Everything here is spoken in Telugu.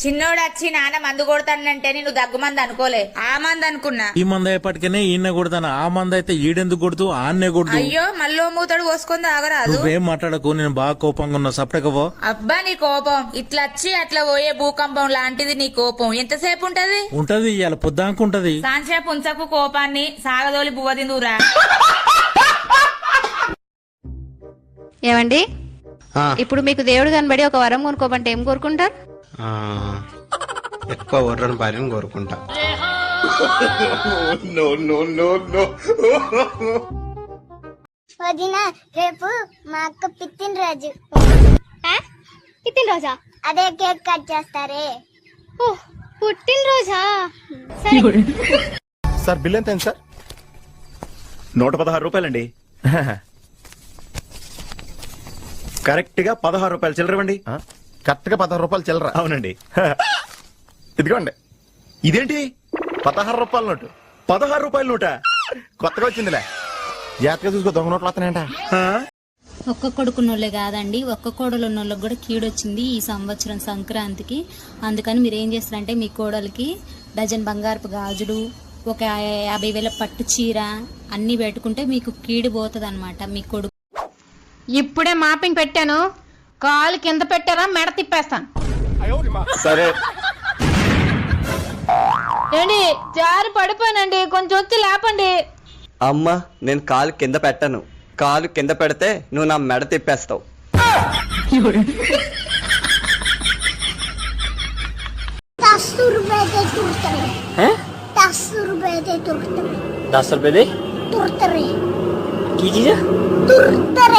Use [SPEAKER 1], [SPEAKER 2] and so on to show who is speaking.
[SPEAKER 1] చిన్నోడు వచ్చి నాన్న మందు కొడతానంటే నేను దగ్గు మంది అనుకోలే ఆ మంది అనుకున్నా.
[SPEAKER 2] ఈ మంద అయ్యేపటికనే ఈయన కొడతాను, ఆ మంద అయితే ఈడెందుకు కొడుతూ ఆన్నే కొడుతూ.
[SPEAKER 1] అయ్యో మళ్ళీ మూతడు కోసుకుంది ఆగరాదు.
[SPEAKER 2] నువ్వేం మాట్లాడకు, నేను బాగా కోపంగా ఉన్నా. సపడకవో.
[SPEAKER 1] అబ్బా నీ కోపం ఇట్లా వచ్చి అట్లా పోయే భూకంపం లాంటిది నీ కోపం. ఎంతసేపు ఉంటది?
[SPEAKER 2] ఉంటది, ఇవాళ పొద్దాకుంటది.
[SPEAKER 1] సాంచేపు ఉంచకు కోపాన్ని, సాగదోలి బువ్వదిందురా.
[SPEAKER 3] ఏమండి, ఇప్పుడు మీకు దేవుడు కనబడి ఒక వరం కొనుక్కోమంటే ఏం కోరుకుంటారు?
[SPEAKER 4] ఎక్కువ వర్రని భార్యను కోరుకుంటా.
[SPEAKER 5] వదినా రేపు మా అక్క పుట్టినరోజు.
[SPEAKER 3] పుట్టినరోజా?
[SPEAKER 5] అదే కేక్ కట్ చేస్తారే.
[SPEAKER 3] ఓ పుట్టినరోజా? సరే.
[SPEAKER 6] సార్ బిల్ ఎంత సార్?
[SPEAKER 7] 116 రూపాయలండి. కరెక్ట్ గా 16 రూపాయలు చిల్లరవండి.
[SPEAKER 6] కరెక్ట్ గా 16 రూపాయలు చిల్లర.
[SPEAKER 7] అవునండి.
[SPEAKER 6] ఇదిగోండి.
[SPEAKER 7] ఇదేంటి
[SPEAKER 6] 16 రూపాయల నోటు.
[SPEAKER 7] 16 రూపాయల నోట?
[SPEAKER 6] కొత్తగా వచ్చిందిలే. జాగ్రత్తగా చూసుకో, దొంగ నోట్లు వస్తున్నాయంట.
[SPEAKER 8] ఒక్క కొడుకున్నోళ్ళే కాదండి, ఒక్క కోడలు ఉన్నోళ్ళకి కూడా కీడొచ్చింది ఈ సంవత్సరం సంక్రాంతికి. అందుకని మీరు ఏం చేస్తారంటే మీ కోడలికి డజన్ బంగారపు గాజులు, ఒక 50,000 పట్టు చీర అన్ని పెట్టుకుంటే మీకు కీడు పోతుంది అనమాట. మీ కొడుకు
[SPEAKER 3] ఇప్పుడే మాపింగ్ పెట్టాను, కాలు కింద పెట్టారా మెడ తిప్పేస్తాను.
[SPEAKER 6] సరే.
[SPEAKER 3] ఏంటి జారి పడిపోయానండి, కొంచెం వచ్చి లేపండి.
[SPEAKER 9] అమ్మా నేను కాలు కింద పెట్టను, కాలు కింద పెడితే నువ్వు నా మెడ తిప్పేస్తావు.
[SPEAKER 5] 10 रुपए दे तुरतरे. 10 रुपए दे तुरतरे.
[SPEAKER 9] 10 रुपए दे
[SPEAKER 5] तुरतरे.
[SPEAKER 9] की चीज है?
[SPEAKER 5] तुरतरे.